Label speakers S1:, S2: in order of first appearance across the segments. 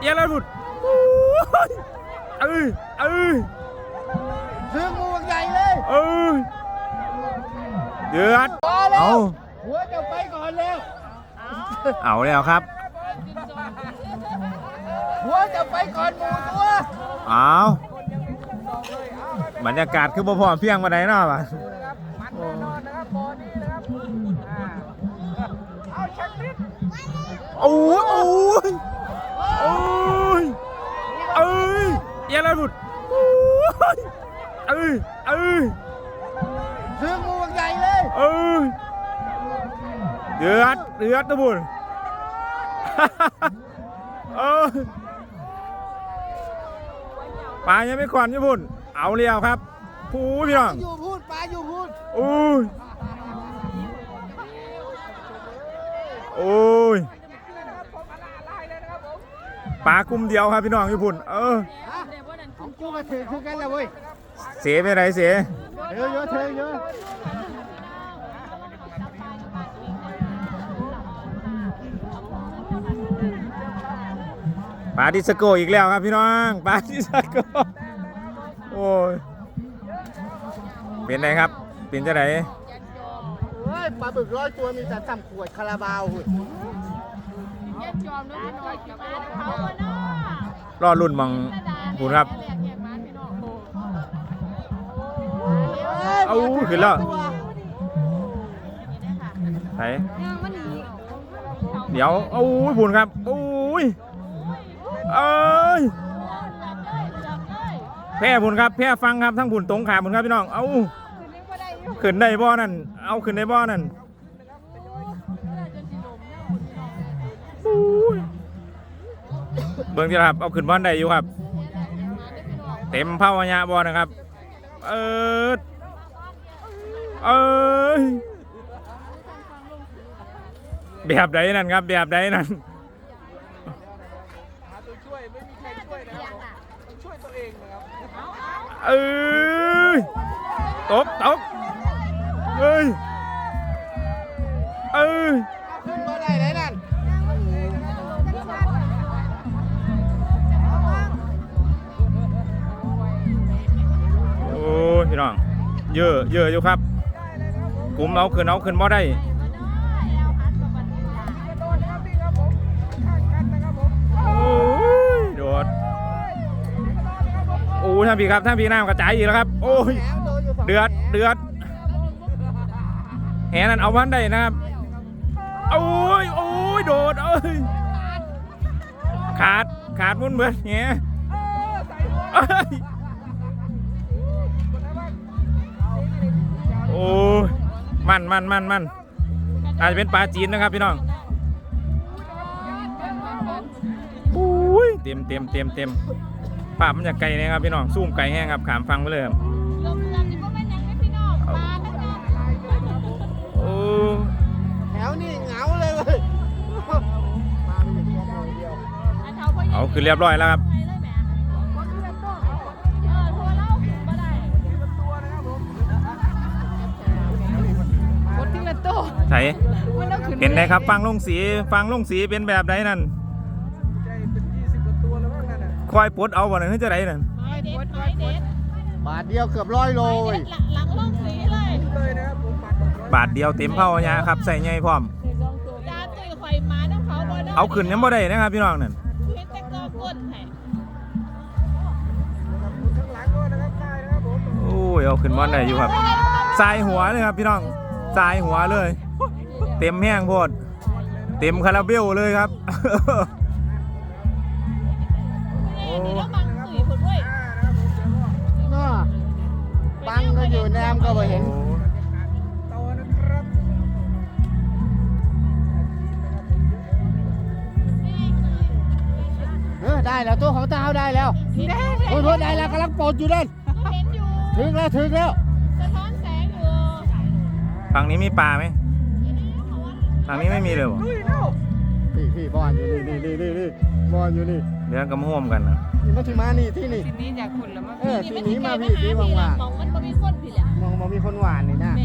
S1: ยังไรบุตร
S2: ซื้องูใหญ่เลย
S1: เดือดเอา
S2: หัวจะไปก่อนแล้ว
S1: เอาแล้วครับ
S2: หัวจะไปก่อนหมูตัว
S1: เอาบรรยากาศคือบ่พอเพียงมาไหนเนาะมัน
S2: แน่นอนนะครับบอนี้นะครับเอาชักนิด
S1: โอ้ยยังไรบุตร
S2: ซื้องูใหญ่เลย
S1: เดือดนะบุญปลายังไม่ก่อนญี่ปุ่นเอาเรียวครับพูดพี่น้อง
S2: อยู่พูดปลาอยู่พูด
S1: ปลากลุ่มเดียวครับพี่น้องญี่ปุ่น
S2: ของกูก็ถือคือกันแล้วเว้ย
S1: เสียไปไหนเสีย
S2: เยอะ
S1: ปลาดิสโก้อีกแล้วครับพี่น้องปลาดิสโก้โอ้ยเป็นไงครับเป็นจะไหน
S2: ปลาบึก100 ตัวมีแต่ซ้ำขวดคาราบาว
S1: รอรุ่นมังคุณครับเอาขึ้นแล้วไหนเดี๋ยวเอาบุญครับโอ้ยแพ้บุญครับแพ้ฟังครับทั้งบุญตรงขาบุญครับพี่น้องเอาขึ้นได้บ่อนั่นเอาขึ้นได้บ่อนั่นเบิ่งที่ครับเอาขึ้นบ่อนได้อยู่ครับเต็มเผาญาบ่อนะครับแบบใดนั่นครับแบบใดนั่น
S2: ช่วยไม่มีใครช่วยนะครับช่วยตัวเองนะครับ
S1: ตบ
S2: ขึ้นมาได้ไหนนั่น
S1: โอ้พี่น้องเยอะอยู่ครับกลุ่มเอาขึ้นบ่ได้โดดโอ้ท่านพี่ครับท่านพี่น้ำกระจายอีกแล้วครับโอ้ยเดือดแหนั่นเอาวันได้นะครับโอ้ยโดดขาดมุ่นเบิดเงี้ยโอ้มันอาจจะเป็นปลาจีนนะครับพี่น้องเต็มภาพมันจะไกลนะครับพี่น้องซูมไกลแห้งครับขามฟังไปเลยครับ
S2: แถวนี้เหงาเลยเว้ย
S1: เอาคือเรียบร้อยแล้วครับใช่เป็นไงครับฟังลงสีเป็นแบบไหนนั่นคอยปลดเอาบ่นั่นจะไหนนั่น
S2: บาทเดียวเกือบ100 โล
S3: หลังลงสีเลย
S1: บาทเดียวเต็มเผาญาครับใส่ใหญ่พร้อมเอาขึ้นยังบ่ได้นะครับพี่น้องนั่นโอ้ยเอาขึ้นบ่ได้อยู่ครับสายหัวเลยครับพี่น้องสายหัวเลยเต็มแห้งโพดเต็มคาราเบลเลยครับ
S2: บังก็อยู่แนมก็ไม่เห็นได้แล้วตัวของเท้าได้แล้วโอ้ยได้แล้วกำลังปลดอยู่นั่นถึงแล้วสะท้อน
S3: แสงอยู่
S1: ฝั่งนี้มีปลาไหมฝั่งนี้ไม่มีเลย
S2: พี่บอลอยู่นี่บอลอยู่นี่
S1: เดี๋ยวกำห่วมกันนะ
S2: นี่มาถึงมานี่ที่นี่
S3: ทีนี้อยากขุนแล้วมั้ง
S2: ทีนี้มาพี่ที่ว่าง
S3: ๆมองมันบ่มีคนผิดแหละ
S2: มองมีคนหวานนี่นะ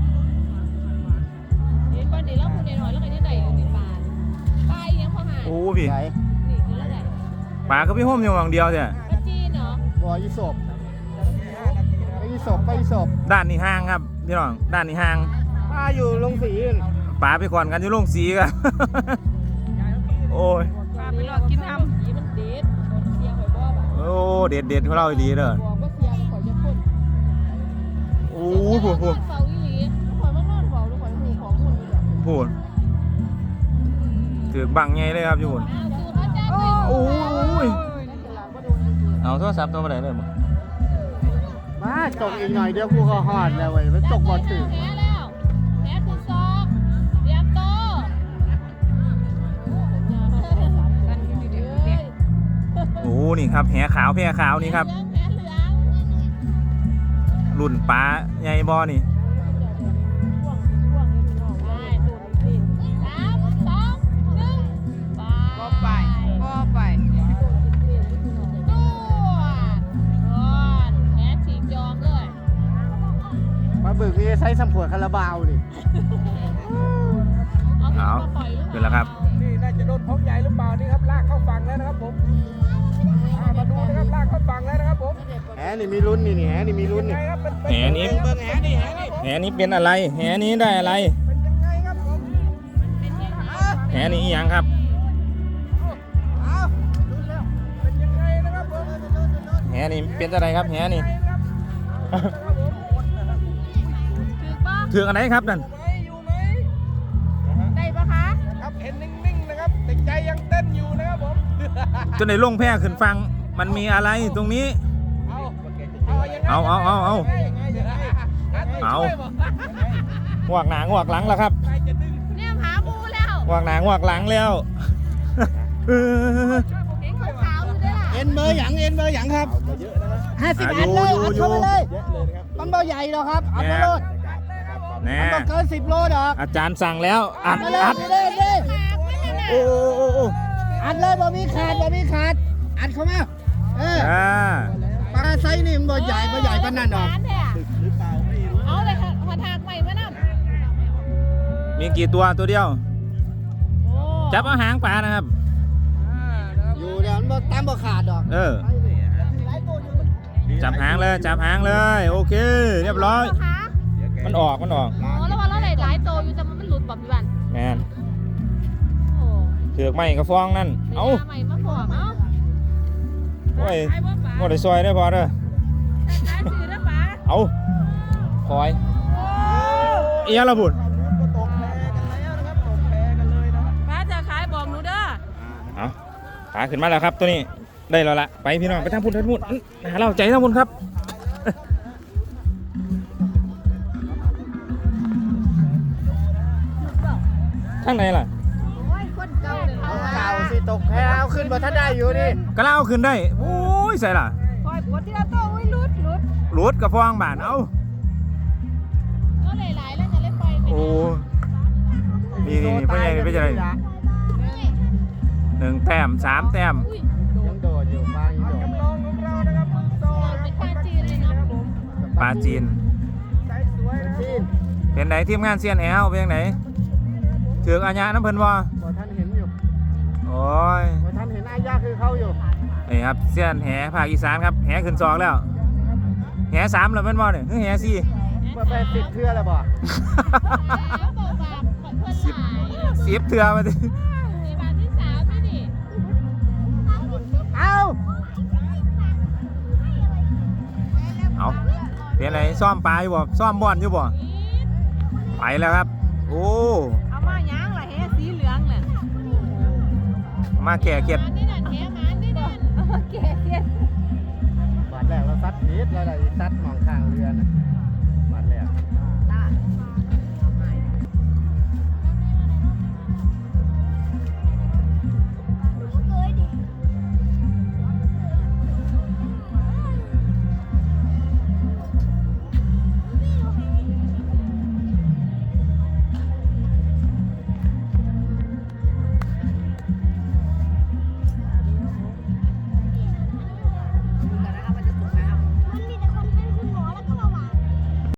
S3: เห็นบ้านนี้แล้วคุณเห็นหอยแล้วก็ยังได้อยู่ในบ้านไปยังพอหาย
S1: โอ้พี่
S3: นี่คืออะไร
S1: ปลาก็พี่ห่มอยู่หวังเดียวเนี่ย
S3: ปลาจีนเหรอ
S2: บ่ออีศพไปอีศพไปอีศพ
S1: ด้านนี้ห่างครับพี่น้องด้านนี้ห่าง
S2: ป้าอยู่ลงสีอื่น
S1: ปลาไปก่อนกันอยู่โรงสีกัน โอ้ย
S3: ปลาไปหลอกกินอ้ำสีมันเด็ดเสียงข่อยบ่บ่ะ
S1: โอ้เด็ดเด็ดของเราอีหลีเด้อ
S3: บอกว่าเสียงข่อยจะพ่น
S1: โอ้โหพูด
S3: เฝ้าอีหลีข่อยมานอนเฝ้าแล้วข่อยหูของคนนี่แหละ
S1: พูดถือบังไงเลยครับอยู่พูด
S3: สูตรพระเจ้า
S1: โอ้ย
S3: นั่นคือหลังบ่โดนจริง
S1: เอาโทรศัพท์ตัวไปไหนเลยมึง
S2: มาตกอีกหน่อยเดี๋ยวกูก็หอดแล้วเว้ยมันตกบ่อถึง
S3: แพ้แล้วแพ้คือซอกเตรียมโตกันอยู่ดีๆเนี่ย
S1: โอ้นี่ครับแหขาวแพรขาวนี่ครับ
S3: แพ้เหลือง
S1: รุ่นปลาใหญ่บ่นี่
S3: ได้สูตรสิ3 2 1ก็ไปดูแพ้ฉีกยอมเลย
S2: มาบึกนี่ใช้สำขวดคาราบาวนี่
S1: เอาขึ้นแล้วครับ
S4: นี่น่าจะโดนพกใหญ่หรือเปล่านี่ครับลากเข้าฝั่งแล้วนะครับผมมาดูนะครับลากเข้าฝั่งแล้วนะครับผม
S2: แหนี่มีลุ้นนี่แหนี่มีลุ้น
S4: ยัง
S2: นี่
S4: ไงครับเป็น
S1: แหนี้
S4: เบิ่งแหนี่
S1: แหนี้เป็นอะไรแหนี้ได้อะไร
S4: เป็นยังไงครับผม
S1: แหนี้อีหยังครับ
S4: เอาลุ้นแล้วเป็นยังไงนะครับผม
S1: แหนี้เป็นอะไรครับแหนี้
S3: ถือป่ะ
S1: ถืออันไหนครับนั่น
S4: อยู่ไหม
S3: ได้ปะคะ
S4: ครับเห็นนิ่งๆนะครับแต่ใจยังเต้นอยู่นะครับผม
S1: จนในลงแพร่ขึ้นฟังมันมีอะไรตรงนี้
S4: เอายังไง
S1: เอา
S4: เอา
S1: เอาหวกหนางหวกหลังแล้วครับ
S4: ใครจะดึง
S3: เนี่ยหาหมูแล้ว
S1: หวกหนางหวกหลังแล้ว
S3: เห็นขาวๆอยู่ด้วยล่ะ
S2: เอ็นเบอร์หยังเอ็นเบอร์หยังครับ50 อันเลยอัดเข้ามาเลยมันบ่ใหญ่หรอกครับอัดมาเลย
S1: แน่
S2: มันต้องเกิน10 โลดอก
S1: อาจารย์สั่งแล้วอัด
S2: มาเลย
S1: อัด
S2: เลยเลย
S1: โอ้โอ้โอ้
S2: อัดเลยบ่มีขาดบ่มีขาดอัดเข้ามาปลาไซส์นี่มันบ่ใหญ่ปานนั้นดอก
S3: เอาเลยค่ะหัวถากใหม่มานั่น
S1: มีกี่ตัวตัวเดียว จับเอาหางปลานะครับ
S2: อยู่เดี๋ยวมันบ่ตามบ่ขาดดอก
S1: จับหางเลยจับหางเลยโอเค เรียบร้อย
S3: คะ
S1: มันออก
S3: อ๋อแล้วว่าเราได้หลายโตอยู่แต่มันหลุดแบบพี่บัน
S1: แมน
S3: โอ้
S1: เถือกไม่กระฟองนั่น
S3: เอ้า
S1: เอ้า
S3: ใหม่มาพอเอ้า
S1: โอ้ยหมดได้ซอยได้พอเด้อ
S3: ได้ซื้อนะป๋า
S1: เอาคอยเอียระบุญ
S4: ตกแพ้กันแล้วนะครับตกแพ้กันเลยนะครับ
S3: ป๋าจะขายบอกหนูเด้อ
S1: เอาขาขึ้นมาแล้วครับตัวนี้ได้แล้วละไปพี่น้องไปทางพุ่นหาเราใจทางพุ่นครับข้างในล่ะ
S2: เก่าสิตกแพเอาขึ้นบ่ทันได้อยู่นี่
S1: ก็เล่าขึ้นได้โอ้ยใส่ล่ะ
S3: ปล่อยปวดที่เราโตอุ้ยหลุด
S1: หลุดกับฟองบานเอ้า
S3: ก็หลายๆแล้วจะเล่นไป
S1: โอ้นี่เพื่อนใหญ่เป็นอะไร1 แต้ม 3 แต้ม
S2: ยังโดดอยู่บางยังโดด
S4: จำลองของเรานะครับมือโซ่
S3: เป็นปลาจีนเลยเนาะ
S1: ปลาจีน
S4: ใส่สวยนะ
S2: จีน
S1: เป็นไหนทีมงานเซียนแอลเป็นยังไงถือกอาญาน้ำเพิ่นบ่
S2: บ่ทันเห็นอยู่
S1: โอ้ย
S2: บ่ทันเห็นอายาคือเขาอยู่
S1: นี่ครับเซียนแหภาคอีสานครับแหขึ้น2แล้วแห3แล้วแม่นบ่เนี่ยคือแห4
S2: เมื่อไป10 เทื่อแล้วบ่
S3: แล้วบอกว่าเพื่อนหลาย
S1: 10 เทื่อมาดิ
S3: มีบานที่3นี่ดิ
S2: เอา
S1: เอาเป็นไหนซ่อมปลาอยู่บ่ซ่อมบ่อนอยู่บ่ไปแล้วครับโอ้
S3: เอามาย่างล่ะแฮสีเหลืองน่ะ
S1: มาแก่เก็ด
S3: นี่นั่นแฮหมานนี่นั่นแก่เก็ด
S2: บาดแรกเราซัดผิดแล้วได้ซัดมองข้างเรือน่ะบาดแรก